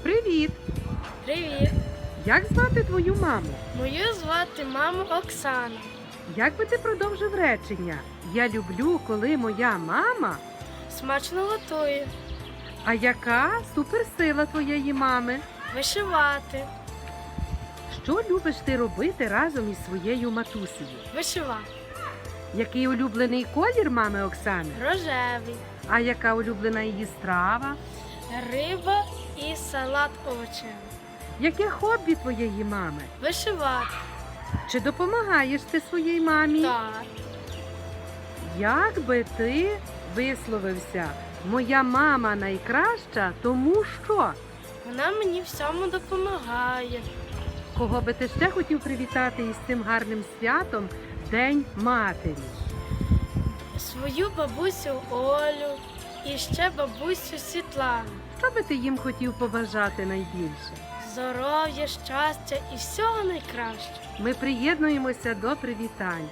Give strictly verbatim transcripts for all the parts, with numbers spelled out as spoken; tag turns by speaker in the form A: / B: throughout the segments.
A: Привіт!
B: Привіт!
A: Як звати твою маму?
B: Мою звати маму Оксана.
A: Як би ти продовжив речення? Я люблю, коли моя мама.
B: Смачно готує.
A: А яка суперсила твоєї мами?
B: Вишивати.
A: Що любиш ти робити разом із своєю матусею?
B: Вишивати.
A: Який улюблений колір мами Оксани?
B: Рожевий.
A: А яка улюблена її страва?
B: Риба і салат овочевий.
A: Яке хобі твоєї мами?
B: Вишивати.
A: Чи допомагаєш ти своїй мамі?
B: Так.
A: Як би ти висловився? Моя мама найкраща, тому що?
B: Вона мені всьому допомагає.
A: Кого би ти ще хотів привітати із цим гарним святом День Матері?
B: Свою бабусю Олю і ще бабусю Світлану.
A: Що би ти їм хотів побажати найбільше?
B: Здоров'я, щастя і всього найкращого.
A: Ми приєднуємося до привітань.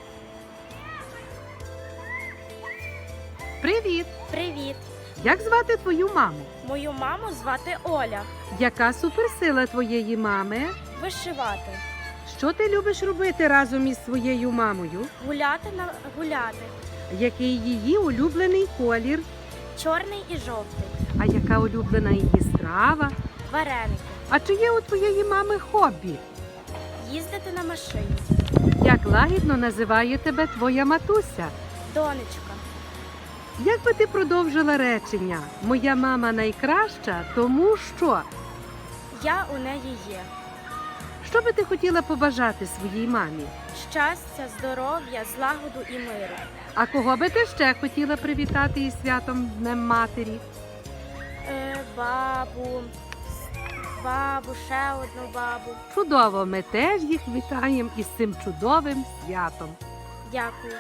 A: Привіт!
B: Привіт!
A: Як звати твою маму?
B: Мою маму звати Оля.
A: Яка суперсила твоєї мами?
B: Вишивати.
A: Що ти любиш робити разом із своєю мамою?
B: Гуляти на гуляти.
A: Який її улюблений колір?
B: Чорний і жовтий.
A: А яка улюблена її страва?
B: Вареники.
A: А чи є у твоєї мами хобі?
B: Їздити на машині.
A: Як лагідно називає тебе твоя матуся?
B: Донечка.
A: Як би ти продовжила речення? Моя мама найкраща, тому що?
B: Я у неї є.
A: Що би ти хотіла побажати своїй мамі?
B: Щастя, здоров'я, злагоду і миру.
A: А кого би ти ще хотіла привітати із святом Днем Матері?
B: Е, бабу, бабу, ще одну бабу.
A: Чудово, ми теж їх вітаємо із цим чудовим святом.
B: Дякую.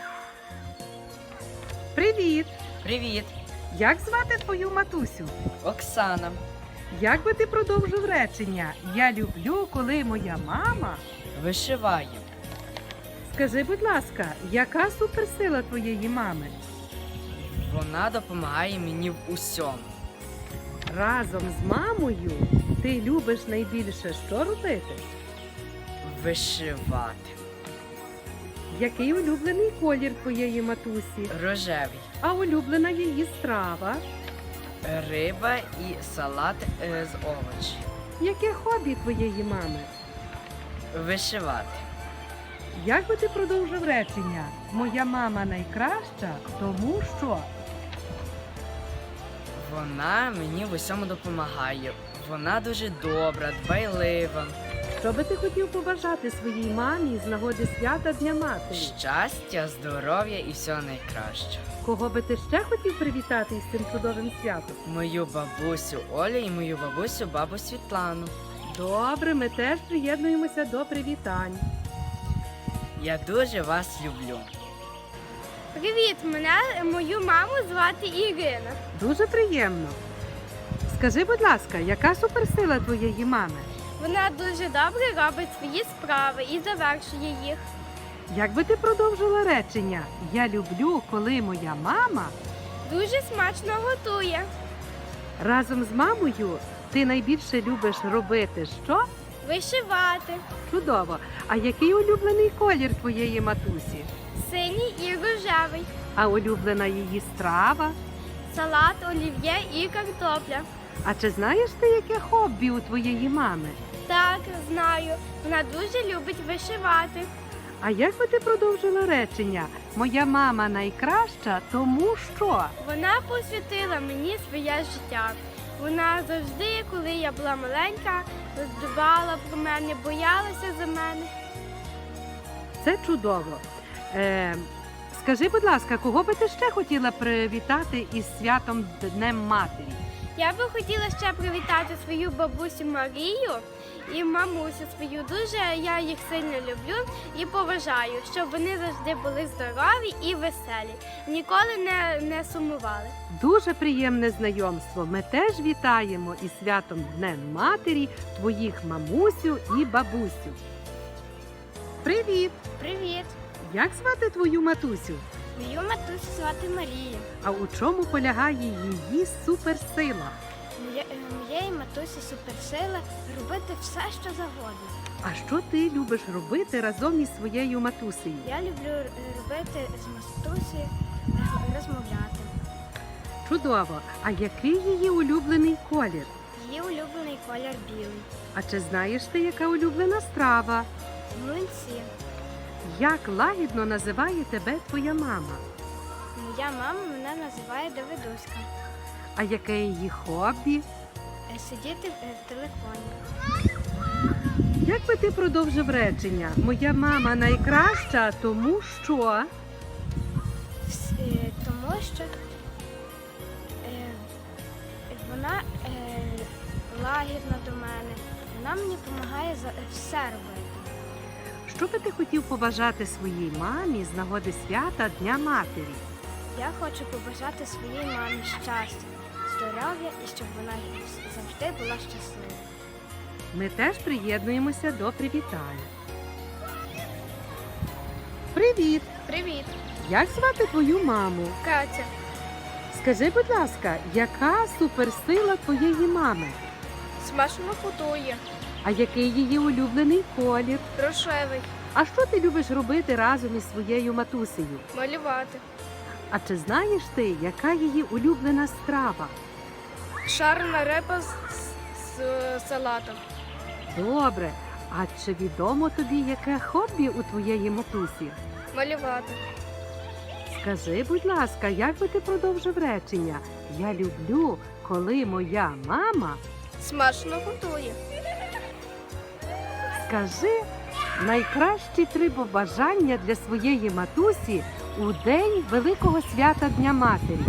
A: Привіт!
C: Привіт,
A: Як звати твою матусю?
C: Оксана.
A: Як би ти продовжив речення? Я люблю, коли моя мама.
C: Вишиваю.
A: Скажи, будь ласка, яка суперсила твоєї мами?
C: Вона допомагає мені в усьому.
A: Разом з мамою ти любиш найбільше що робити?
C: Вишивати.
A: Який улюблений колір твоєї матусі?
C: Рожевий.
A: А улюблена її страва?
C: Риба і салат е, з овочів.
A: Яке хобі твоєї мами?
C: Вишивати.
A: Як би ти продовжив речення? Моя мама найкраща, тому що?
C: Вона мені в усьому допомагає. Вона дуже добра, дбайлива.
A: Що би ти хотів побажати своїй мамі з нагоди свята Дня Матері?
C: Щастя, здоров'я і всього найкращого.
A: Кого би ти ще хотів привітати із цим чудовим святом?
C: Мою бабусю Олю і мою бабусю бабу Світлану.
A: Добре, ми теж приєднуємося до привітань.
C: Я дуже вас люблю.
B: Привіт, мене мою маму звати Ірина.
A: Дуже приємно. Скажи, будь ласка, яка суперсила твоєї мами?
B: Вона дуже добре робить свої справи і завершує їх.
A: Як би ти продовжила речення? Я люблю, коли моя мама.
B: Дуже смачно готує.
A: Разом з мамою ти найбільше любиш робити що?
B: Вишивати.
A: Чудово. А який улюблений колір твоєї матусі?
B: Синій і рожевий.
A: А улюблена її страва?
B: Салат, олів'є і картопля.
A: А чи знаєш ти, яке хобі у твоєї мами?
B: Так, знаю. Вона дуже любить вишивати.
A: А як би ти продовжила речення? Моя мама найкраща, тому що?
B: Вона посвятила мені своє життя. Вона завжди, коли я була маленька, дбала про мене, боялася за мене.
A: Це чудово. Е, скажи, будь ласка, кого би ти ще хотіла привітати із святом Днем Матері?
B: Я би хотіла ще привітати свою бабусю Марію і мамусю свою. Дуже я їх сильно люблю і поважаю, щоб вони завжди були здорові і веселі, ніколи не, не сумували.
A: Дуже приємне знайомство. Ми теж вітаємо із святом Днем Матері твоїх мамусю і бабусю. Привіт!
B: Привіт!
A: Як звати твою матусю?
B: Мою матусю звати Марія.
A: А у чому полягає її суперсила?
B: Моя моє- е, моєї матусі суперсила робити все, що завгодно.
A: А що ти любиш робити разом із своєю матусею?
B: Я люблю е, робити з матусі, е, розмовляти.
A: Чудово! А який її улюблений колір?
B: Її улюблений колір білий.
A: А чи знаєш ти, яка улюблена страва?
B: Млинці.
A: Як лагідно називає тебе твоя мама?
B: Моя мама мене називає Давидуська.
A: А яке її хобі?
B: Е, Сидіти в е, в телефоні.
A: Як би ти продовжив речення? Моя мама найкраща, тому що.
B: С- е, Тому що е, вона е, лагідна до мене. Вона мені допомагає за все робити.
A: Що би ти хотів побажати своїй мамі з нагоди свята Дня Матері?
B: Я хочу побажати своїй мамі щастя, здоров'я і щоб вона завжди була щаслива.
A: Ми теж приєднуємося до привітань. Привіт!
B: Привіт,
A: Як звати твою маму?
B: Катя.
A: Скажи, будь ласка, яка суперсила твоєї мами?
B: Смачно готує.
A: А який її улюблений колір?
B: Рожевий.
A: А що ти любиш робити разом із своєю матусею?
B: Малювати.
A: А чи знаєш ти, яка її улюблена страва?
B: Шарна репа з, з салатом.
A: Добре. А чи відомо тобі, яке хобі у твоєї матусі?
B: Малювати.
A: Скажи, будь ласка, як би ти продовжив речення? Я люблю, коли моя мама.
B: Смачно готує.
A: Скажи найкращі три побажання для своєї матусі у день Великого свята Дня Матері.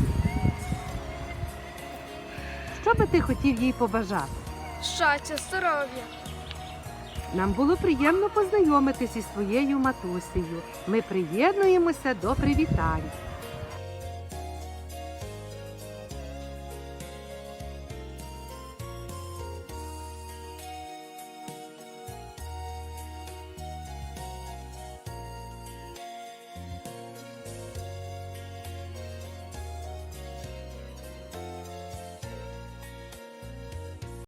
A: Що би ти хотів їй побажати?
B: Щастя, здоров'я.
A: Нам було приємно познайомитися із своєю матусею. Ми приєднуємося до привітань.